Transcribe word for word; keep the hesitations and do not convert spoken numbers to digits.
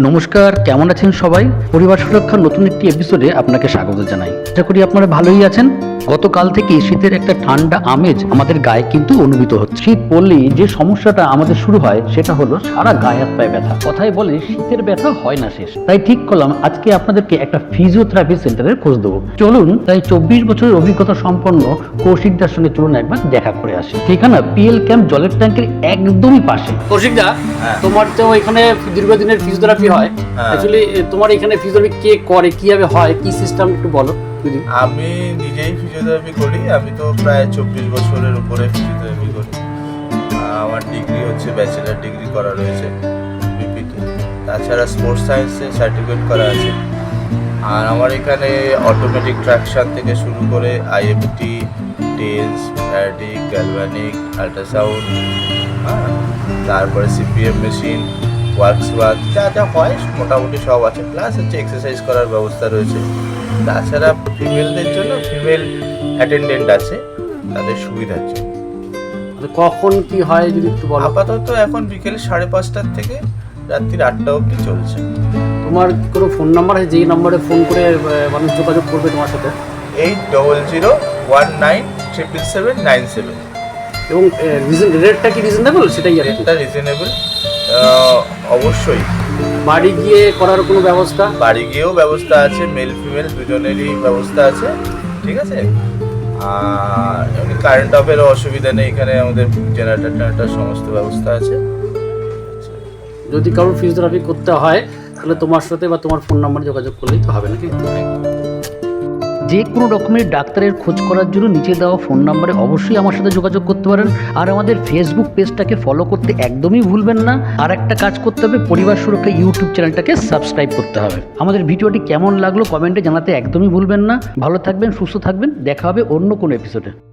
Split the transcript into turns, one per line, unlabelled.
নমস্কার, কেমন আছেন সবাই? পরিবার সুরক্ষার নতুন একটি এপিসোডে আপনাকে স্বাগত জানাই। আশা করি আপনারা ভালোই আছেন। গতকাল থেকে শীতের একটা ঠান্ডা আমেজ আমাদের গায়ে কিন্তু অনুভূত হচ্ছে। শীত পড়লেই যে সমস্যাটা আমাদের শুরু হয় সেটা হলো সারা গায়ে হাত পায়ে ব্যথা। কথায় বলে শীতের ব্যথা হয় না শেষ। তাই ঠিক করলাম আজকে আপনাদেরকে একটা ফিজিওথেরাপি সেন্টারের খোঁজ দেবো। চলুন তাই চব্বিশ বছরের অভিজ্ঞতা সম্পন্ন কৌশিকদার সঙ্গে চলুন একবার দেখা করে আসি। ঠিকানা পিএল ক্যাম্প জলের ট্যাঙ্কের একদমই পাশে। কৌশিকদা, তোমার তো এখানে দীর্ঘদিনের ফিজিওথেরাপি হয়। অ্যাকচুয়ালি তোমার এখানে ফিজিওথেরাপি কে করে, কিভাবে হয়, কি সিস্টেম একটু বলো।
আমি নিজেই ফিজিওথেরাপি করি। আমি তো প্রায় চব্বিশ বছরের উপরে ফিজিওথেরাপি করি। আমার ডিগ্রি হচ্ছে ব্যাচেলার ডিগ্রি করা রয়েছে বিপিতে, তাছাড়া স্পোর্টস সায়েন্সে সার্টিফিকেট করা আছে। আর আমার এখানে অটোমেটিক ট্রাকশন থেকে শুরু করে IFT, TENS, faradic, galvanic, ultrasound, হ্যাঁ, তারপরে সিপিএম মেশিন, ওয়ার্কস ওয়ার্ক, যা যা হয় মোটামুটি সব আছে। প্লাস হচ্ছে এক্সারসাইজ করার ব্যবস্থা রয়েছে। তাছাড়া ফিমেলদের জন্য ফিমেল অ্যাটেন্ডেন্ট আছে, তাদের সুবিধার জন্য।
কখন কি হয় যদি একটু বলো।
আপাতত এখন বিকেল সাড়ে পাঁচটার থেকে রাত্রির আটটা অবধি চলছে।
তোমার কোনো ফোন নাম্বার আছে যেই নাম্বারে ফোন করে মানুষ যোগাযোগ করবে তোমার সাথে?
Eight double zero one nine triple seven nine seven.
এবং রেটটা কি রিজনেবল? সেটাই আর
রেটটা রিজনেবল অবশ্যই।
বাড়ি গিয়ে করার কোনো ব্যবস্থা?
বাড়ি গিয়েও ব্যবস্থা আছে, মেল ফিমেল দুজনেরই ব্যবস্থা আছে, ঠিক আছে। আর এমনি কারেন্ট অফেরও অসুবিধা নেই, এখানে আমাদের জেনারেটর টেনারেটর সমস্ত ব্যবস্থা আছে।
যদি কারোর ফিজিওথেরাপি করতে হয় তাহলে তোমার সাথে বা তোমার ফোন নাম্বারে যোগাযোগ করলেই তো হবে নাকি? যে কোনো রকমের ডাক্তারের খোঁজ করার জন্য নিচে দেওয়া ফোন নাম্বারে অবশ্যই আমার সাথে যোগাযোগ করতে পারেন। আর আমাদের ফেসবুক পেজটাকে ফলো করতে একদমই ভুলবেন না। আর একটা কাজ করতে হবে, পরিবার সুরক্ষা ইউটিউব চ্যানেলটাকে সাবস্ক্রাইব করতে হবে। আমাদের ভিডিওটি কেমন লাগলো কমেন্টে জানাতে একদমই ভুলবেন না। ভালো থাকবেন, সুস্থ থাকবেন, দেখা হবে অন্য কোনো এপিসোডে।